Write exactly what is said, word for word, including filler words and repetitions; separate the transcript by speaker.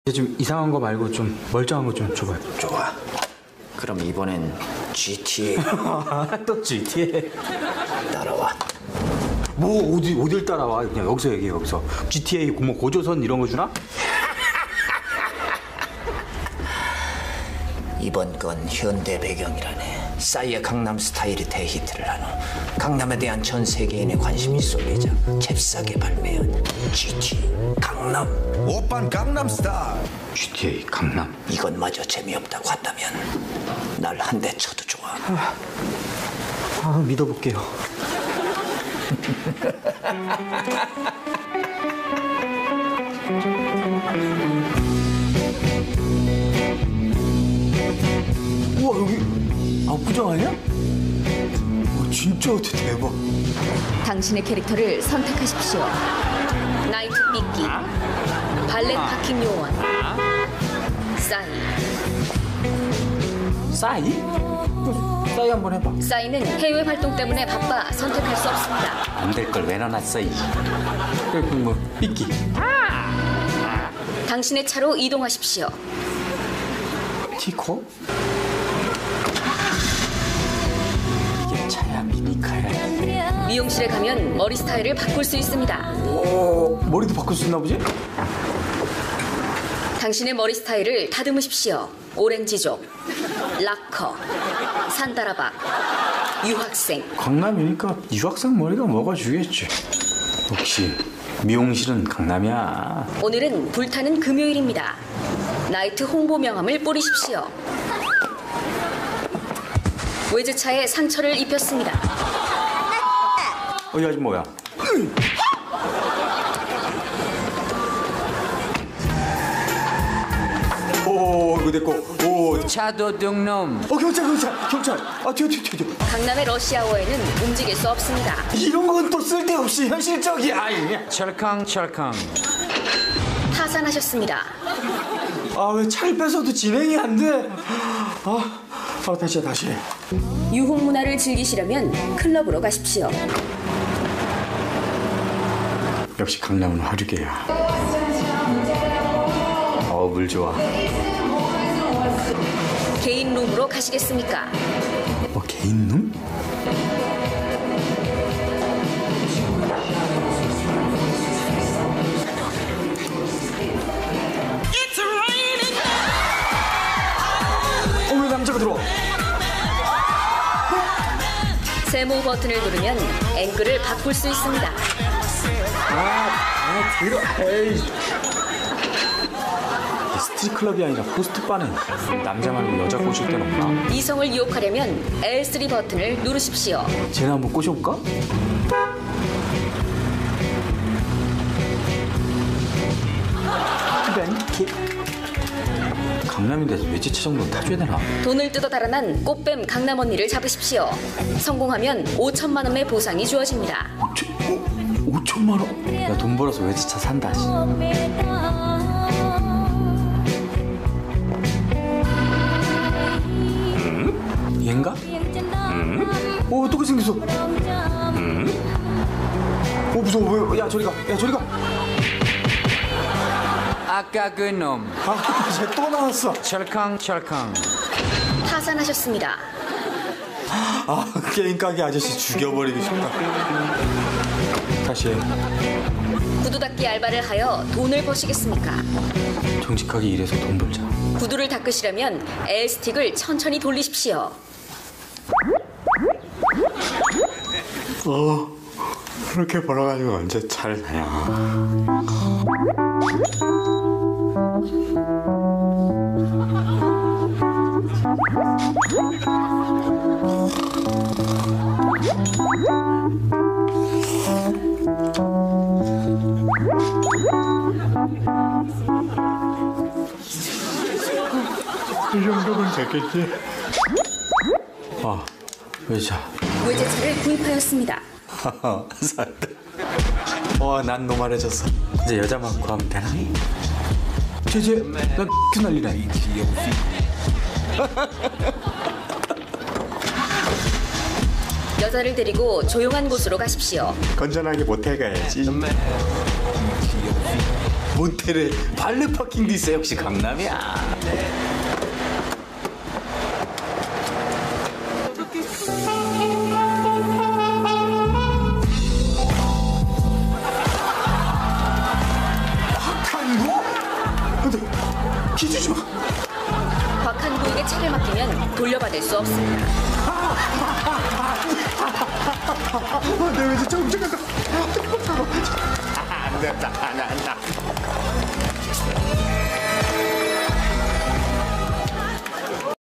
Speaker 1: 좀 이상한 거 말고 좀 멀쩡한 거 좀 줘봐요.
Speaker 2: 좋아. 그럼 이번엔 지티에이.
Speaker 1: 또 지티에이.
Speaker 2: 따라와.
Speaker 1: 뭐 어디 어딜 따라와? 그냥 여기서 얘기해. 여기서 지티에이 뭐 고조선 이런 거 주나?
Speaker 2: 이번 건 현대 배경이라네. 싸이의 강남 스타일이 대히트를 한 후 강남에 대한 전 세계인의 관심이 쏠리자 잽싸게 발매한 지티에이 강남.
Speaker 3: 오빤 강남 스타일.
Speaker 1: 지티에이 강남.
Speaker 2: 이것마저 재미없다고 한다면 날 한 대 쳐도 좋아.
Speaker 1: 아, 아 믿어볼게요. 우와 여기 압구정 아니야? 와, 진짜 대박.
Speaker 4: 당신의 캐릭터를 선택하십시오. 나이트 삐끼, 발렛 파킹 요원, 싸이.
Speaker 1: 싸이? 싸이 한번 해봐.
Speaker 4: 싸이는 해외 활동 때문에 바빠 선택할 수 없습니다.
Speaker 1: 안 될 걸 왜 넣어놨어 이. 그뭐 삐끼.
Speaker 4: 당신의 차로 이동하십시오.
Speaker 1: 티코? 이게 차야 미니카야.
Speaker 4: 미용실에 가면 머리 스타일을 바꿀 수 있습니다.
Speaker 1: 오 머리도 바꿀 수 있나 보지?
Speaker 4: 당신의 머리 스타일을 다듬으십시오. 오렌지족, 락커, 산다라박, 유학생.
Speaker 1: 강남이니까 유학생 머리가 먹어주겠지. 혹시 미용실은 강남이야?
Speaker 4: 오늘은 불타는 금요일입니다. 나이트 홍보 명함을 뿌리십시오. 외제차에 상처를 입혔습니다.
Speaker 1: 어, 이 아줌 뭐야? 오, 이거 됐고. 오,
Speaker 2: 차도둑놈.
Speaker 1: 어, 경찰, 경찰, 경찰. 아, 튀어, 튀어, 튀어.
Speaker 4: 강남의 러시아워에는 움직일 수 없습니다.
Speaker 1: 이런 건 또 쓸데없이 현실적이야. 아이.
Speaker 2: 철캉철캉.
Speaker 4: 파산하셨습니다.
Speaker 1: 아, 왜 차를 뺏어도 진행이 안 돼? 아, 아 다시 해, 다시 해.
Speaker 4: 유흥 문화를 즐기시려면 클럽으로 가십시오.
Speaker 1: 역시 강남은 화류계야. 어, 물 좋아.
Speaker 4: 개인 룸으로 가시겠습니까?
Speaker 1: 어, 개인 룸? 어, 왜 남자가 들어와?
Speaker 4: 세모 버튼을 누르면 앵글을 바꿀 수 있습니다.
Speaker 1: 아, 아, 들어. 에이. 스트릿클럽이 아니라 호스트바는 남자 말고 여자 꼬실 데는 없나?
Speaker 4: 이성을 유혹하려면 엘 쓰리 버튼을 누르십시오.
Speaker 1: 쟤네 한번 꼬셔볼까? 키 강남인데 외제차 정도는 타줘야 되나?
Speaker 4: 돈을 뜯어 달아난 꽃뱀 강남 언니를 잡으십시오. 성공하면 오천만 원의 보상이 주어집니다.
Speaker 1: 오천만 원? 야, 돈 벌어서 외제차 산다. 씨. 음? 얘인가? 음? 오, 똑같이 생겼어. 음? 오, 무서워. 왜? 야, 저리 가. 야, 저리 가.
Speaker 2: 아까 그 놈.
Speaker 1: 아, 쟤 또 나왔어.
Speaker 2: 철캉철캉.
Speaker 4: 파산하셨습니다.
Speaker 1: 아, 게임 가게 아저씨 죽여버리고 싶다. 다시 해.
Speaker 4: 구두 닦기 알바를 하여 돈을 버시겠습니까?
Speaker 1: 정직하게 일해서 돈 벌자.
Speaker 4: 구두를 닦으시려면 엘 스틱을 천천히 돌리십시오.
Speaker 1: 어, 그렇게 벌어가지고 언제 차를 사냐. 이 정도면 되겠지? 아, 외자.
Speaker 4: 외제차를 구입하였습니다.
Speaker 1: 살다. 와, 난 노말해졌어. 이제 여자만 구하면 되나? 쟤쟤, 나 X 난리네.
Speaker 4: 여자를 데리고 조용한 곳으로 가십시오.
Speaker 1: 건전하게 모텔 가야지.
Speaker 2: 모텔에 발레 파킹도 있어. 역시 강남이야.
Speaker 1: 기주지 마.
Speaker 4: 곽한구에게 차를 맡기면 돌려받을 수 없습니다.
Speaker 1: 내 왠지 조금 잠깐.